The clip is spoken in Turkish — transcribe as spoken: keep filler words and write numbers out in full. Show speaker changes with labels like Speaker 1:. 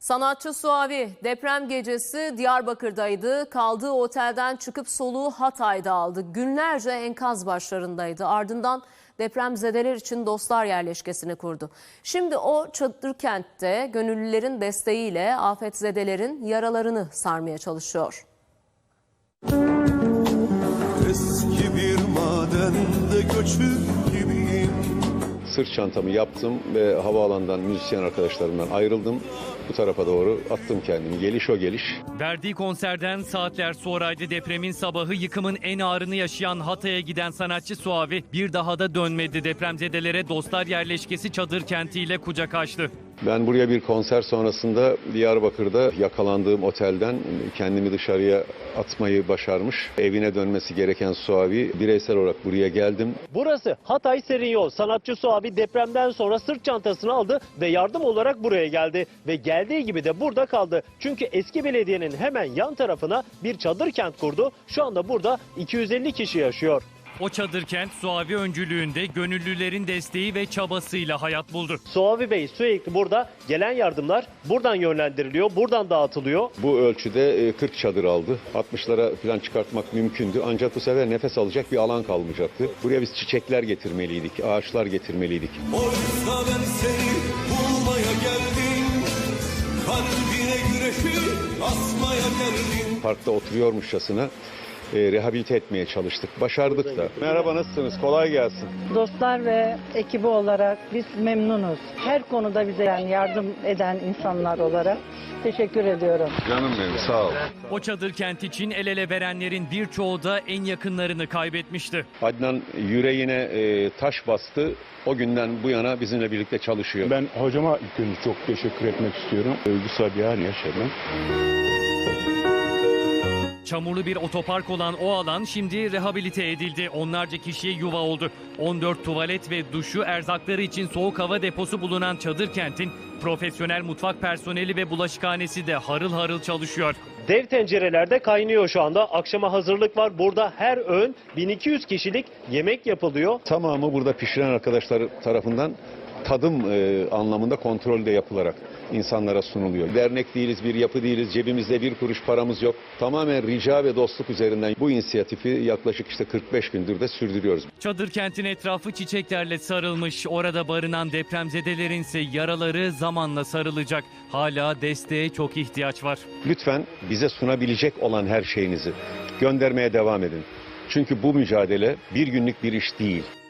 Speaker 1: Sanatçı Suavi deprem gecesi Diyarbakır'daydı. Kaldığı otelden çıkıp soluğu Hatay'da aldı. Günlerce enkaz başlarındaydı. Ardından depremzedeler için dostlar yerleşkesini kurdu. Şimdi o çadır kentte gönüllülerin desteğiyle afetzedelerin yaralarını sarmaya çalışıyor.
Speaker 2: Eski bir madende göçür gibiyim.
Speaker 3: Sırt çantamı yaptım ve havaalanından müzisyen arkadaşlarımdan ayrıldım. Bu tarafa doğru attım kendimi. Geliş o geliş.
Speaker 4: Verdiği konserden saatler sonraydı depremin sabahı. Yıkımın en ağırını yaşayan Hatay'a giden sanatçı Suavi bir daha da dönmedi. Depremzedelere dostlar yerleşkesi çadır kentiyle kucak açtı.
Speaker 3: Ben buraya bir konser sonrasında Diyarbakır'da yakalandığım otelden kendimi dışarıya atmayı başarmış. Evine dönmesi gereken Suavi, bireysel olarak buraya geldim.
Speaker 5: Burası Hatay Serinyol. Sanatçı Suavi depremden sonra sırt çantasını aldı ve yardım olarak buraya geldi. Ve geldiği gibi de burada kaldı. Çünkü eski belediyenin hemen yan tarafına bir çadır kent kurdu. Şu anda burada iki yüz elli kişi yaşıyor.
Speaker 4: O çadır kent Suavi öncülüğünde gönüllülerin desteği ve çabasıyla hayat buldu.
Speaker 5: Suavi Bey sürekli burada, gelen yardımlar buradan yönlendiriliyor, buradan dağıtılıyor.
Speaker 3: Bu ölçüde kırk çadır aldı. altmışlara falan çıkartmak mümkündü. Ancak bu sefer nefes alacak bir alan kalmayacaktı. Buraya biz çiçekler getirmeliydik, ağaçlar getirmeliydik.
Speaker 2: Oysa ben seni bulmaya geldim. Kalbine güneşi asmaya geldim.
Speaker 3: Parkta oturuyormuşçasına E, rehabilite etmeye çalıştık. Başardık da. Merhaba, nasılsınız? Kolay gelsin.
Speaker 6: Dostlar ve ekibi olarak biz memnunuz. Her konuda bize yani yardım eden insanlar olarak teşekkür ediyorum.
Speaker 3: Canım benim, sağ ol.
Speaker 4: O çadır kent için el ele verenlerin birçoğu da en yakınlarını kaybetmişti.
Speaker 3: Adnan yüreğine e, taş bastı. O günden bu yana bizimle birlikte çalışıyor.
Speaker 7: Ben hocama ilk önce çok teşekkür etmek istiyorum. Duygusal bir an yaşadım.
Speaker 4: Çamurlu bir otopark olan o alan şimdi rehabilite edildi. Onlarca kişiye yuva oldu. on dört tuvalet ve duşu, erzakları için soğuk hava deposu bulunan çadır kentin profesyonel mutfak personeli ve bulaşıkhanesi de harıl harıl çalışıyor.
Speaker 5: Dev tencerelerde kaynıyor şu anda. Akşama hazırlık var. Burada her öğün bin iki yüz kişilik yemek yapılıyor.
Speaker 3: Tamamı burada pişiren arkadaşlar tarafından tadım e, anlamında kontrolde yapılarak insanlara sunuluyor. Dernek değiliz, bir yapı değiliz, cebimizde bir kuruş paramız yok. Tamamen rica ve dostluk üzerinden bu inisiyatifi yaklaşık işte kırk beş gündür de sürdürüyoruz.
Speaker 4: Çadır kentin etrafı çiçeklerle sarılmış. Orada barınan depremzedelerin ise yaraları zamanla sarılacak. Hala desteğe çok ihtiyaç var.
Speaker 3: Lütfen bize sunabilecek olan her şeyinizi göndermeye devam edin. Çünkü bu mücadele bir günlük bir iş değil.